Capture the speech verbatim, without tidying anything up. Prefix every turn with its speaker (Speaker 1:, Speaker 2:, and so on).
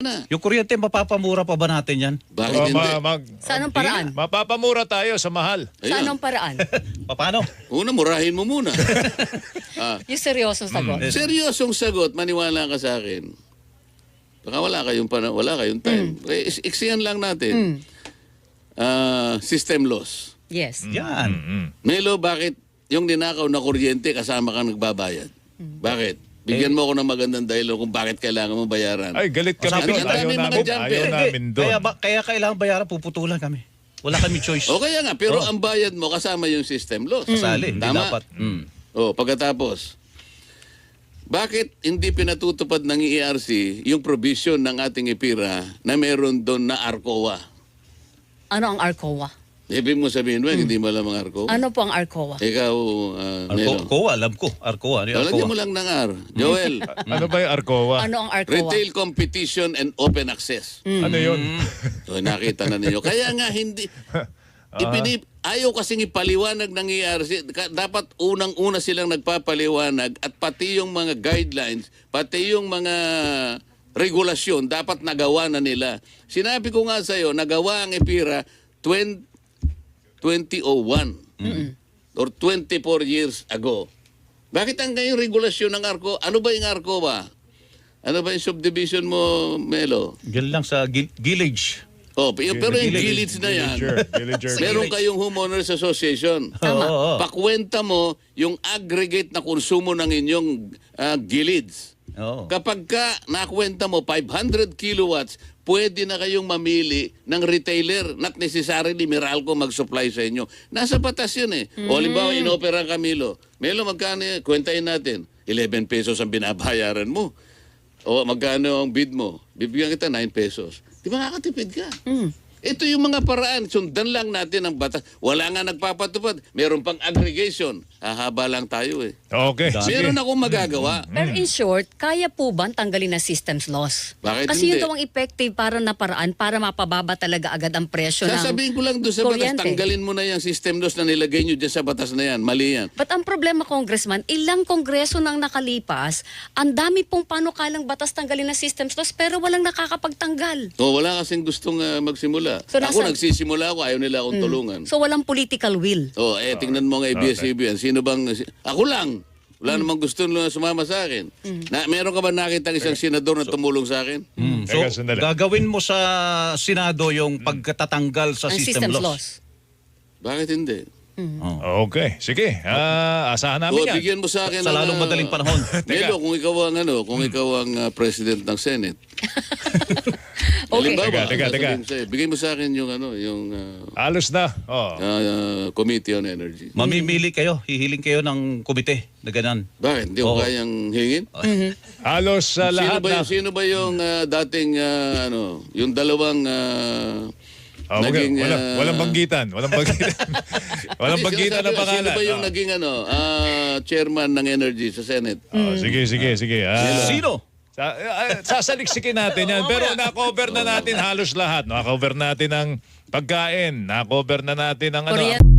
Speaker 1: na.
Speaker 2: Yung kuryente, mapapamura pa ba natin yan?
Speaker 1: Bakit
Speaker 3: Oh,
Speaker 1: hindi?
Speaker 3: ma- mag-
Speaker 4: Sa anong paraan?
Speaker 3: Mapapamura tayo sa mahal.
Speaker 4: Sa
Speaker 1: Ayun.
Speaker 4: anong paraan?
Speaker 2: Paano?
Speaker 1: Una, murahin mo muna. ah,
Speaker 4: Yung seryosong sagot.
Speaker 1: seryosong sagot, maniwala ka sa akin. Baka wala kayong, pana- wala kayong time. Eh, is- iksiyan lang natin. Ah, system loss.
Speaker 4: Yes.
Speaker 2: Yan.
Speaker 3: Mm.
Speaker 1: Melo, bakit yung ninakaw na kuryente kasama kang nagbabayad? Bakit? Bigyan mo ako ng magandang dahilan kung bakit kailangan mo bayaran.
Speaker 3: Ay, galit kami
Speaker 1: Sabi
Speaker 3: doon.
Speaker 1: nga,
Speaker 3: Ayaw
Speaker 1: dami mga
Speaker 3: namin,
Speaker 1: jumper.
Speaker 3: ayaw
Speaker 1: Hindi,
Speaker 3: namin doon.
Speaker 2: Kaya, ba, kaya kailangan bayaran, puputulan kami. Wala kami choice.
Speaker 1: O kaya nga, pero
Speaker 2: Oh.
Speaker 1: ang bayad mo kasama yung system loss.
Speaker 2: Kasali, hindi
Speaker 1: Tama?
Speaker 2: dapat. Mm.
Speaker 1: O, pagkatapos, bakit hindi pinatutupad ng E R C yung provision ng ating IPIRA na meron doon na ARCOA?
Speaker 4: Ano ang ARCOA?
Speaker 1: Ibig mo sabihin ba, hindi mo alam ang ARCOA?
Speaker 4: Ano po ang ARCOA?
Speaker 1: Ikaw, uh,
Speaker 2: Arco,
Speaker 1: Melo.
Speaker 2: Arcoa, alam ko. Arcoa. Ano yung
Speaker 1: Lagyan
Speaker 2: Arcoa?
Speaker 1: mo lang ng R. Joel,
Speaker 3: Ano ba yung Arcoa?
Speaker 4: Ano ang ARCOA?
Speaker 1: Retail Competition and Open Access.
Speaker 3: Ano yun?
Speaker 1: O, nakita na ninyo. Kaya nga hindi... Ipinip, ayaw kasing ipaliwanag ng E R C. Ka- Dapat unang-una silang nagpapaliwanag at pati yung mga guidelines, pati yung mga regulasyon, dapat nagawa na nila. Sinabi ko nga sa'yo, nagawa ang IPIRA twenty oh one or twenty-four years ago. Bakit ang ngayong regulasyon ng ARCO? Ano ba yung ARCO ba? Ano ba yung subdivision mo, Melo?
Speaker 2: Yan lang sa gil- village.
Speaker 1: Oh, pero pero yung
Speaker 2: Village.
Speaker 1: village na yan.
Speaker 3: Villager. Villager.
Speaker 1: Meron kayong homeowners association.
Speaker 2: Oo, oo.
Speaker 1: Pakwenta mo yung aggregate na konsumo ng inyong ah, gilids.
Speaker 2: Oo.
Speaker 1: Kapag ka nakwenta mo five hundred kilowatts, pwede na kayong mamili ng retailer, not necessarily Meralco mag-supply sa inyo. Nasa batas yun eh. O halimbawa, inopera ang Camilo. Melo, magkano yan? Kwentahin natin. eleven pesos ang binabayaran mo. O magkano ang bid mo? Bibigyan kita nine pesos. Di ba makakatipid ka? Ito yung mga paraan. Sundan lang natin ang batas. Wala nga nagpapatupad. Meron pang aggregation. Hahaba lang tayo eh.
Speaker 3: Okay.
Speaker 1: Meron akong magagawa.
Speaker 4: Pero in short, kaya po ba tanggalin na systems loss?
Speaker 1: Bakit
Speaker 4: Kasi yun
Speaker 1: hindi?
Speaker 4: daw ang effective para na paraan para mapababa talaga agad ang presyo ng
Speaker 1: Sasabihin ko lang doon sa batas,
Speaker 4: kuryente.
Speaker 1: tanggalin mo na yung system loss na nilagay nyo dyan sa batas na yan. Mali yan.
Speaker 4: But ang problema, Congressman, ilang kongreso nang nakalipas, ang dami pong panukalang batas tanggalin na systems loss pero walang nakakapagtanggal.
Speaker 1: O, wala kasing gustong ah, magsimula.
Speaker 4: So,
Speaker 1: ako
Speaker 4: nasa-
Speaker 1: nagsisimula ako, ayaw nila akong tulungan.
Speaker 4: So walang political will.
Speaker 1: O, eh, tingnan mo nga A B S C B N. Sino bang... Ako lang. Wala namang gusto nila sumama sa akin. Na, meron ka ba nakita isang senador na tumulong sa akin?
Speaker 2: Mm. So,
Speaker 3: Teka, sandali.
Speaker 2: gagawin mo sa Senado yung pagkatatanggal sa
Speaker 4: Ang
Speaker 2: system,
Speaker 4: systems
Speaker 2: loss.
Speaker 4: loss.
Speaker 1: Bakit hindi?
Speaker 3: Okay. Sige. Ah, asahan
Speaker 1: O,
Speaker 3: namin yan.
Speaker 1: bigyan mo sa akin
Speaker 2: Sa
Speaker 1: ng,
Speaker 2: lalong
Speaker 1: ah,
Speaker 2: madaling panahon.
Speaker 1: Melo, kung ikaw ang ano, kung ikaw ang ah, president ng Senate.
Speaker 4: Okay.
Speaker 1: Halimbawa,
Speaker 3: Teka, teka, teka.
Speaker 1: sasabihin ko sa'yo, bigay mo sa akin yung ano, yung ah,
Speaker 3: Alos na. Oh.
Speaker 1: ah, Committee on Energy.
Speaker 2: Mamimili kayo, hihiling kayo ng komite na ganun.
Speaker 1: Bakit? Hindi ko
Speaker 2: Oo.
Speaker 1: kayang hingin?
Speaker 3: Halos sa
Speaker 1: Sino
Speaker 3: lahat
Speaker 1: ba,
Speaker 3: na.
Speaker 1: yung, sino ba yung ah, dating, ah, ano, yung dalawang... ah,
Speaker 3: Oh, wag-
Speaker 1: naging,
Speaker 3: walang,
Speaker 1: ah,
Speaker 3: walang banggitan. Walang banggitan. walang
Speaker 1: Hindi,
Speaker 3: banggitan
Speaker 1: sinasabi
Speaker 3: na
Speaker 1: ko,
Speaker 3: pangalan.
Speaker 1: Sino ba yung
Speaker 3: Ah.
Speaker 1: naging ano, ah, chairman ng Energy sa Senate?
Speaker 3: Oh, sige, sige, sige. Ah,
Speaker 2: Sino?
Speaker 3: Sa, ah, sasaliksikin natin yan. Pero na-cover na natin halos lahat. Na-cover natin ang pagkain. Na-cover na natin ang ano.
Speaker 4: Kuryente.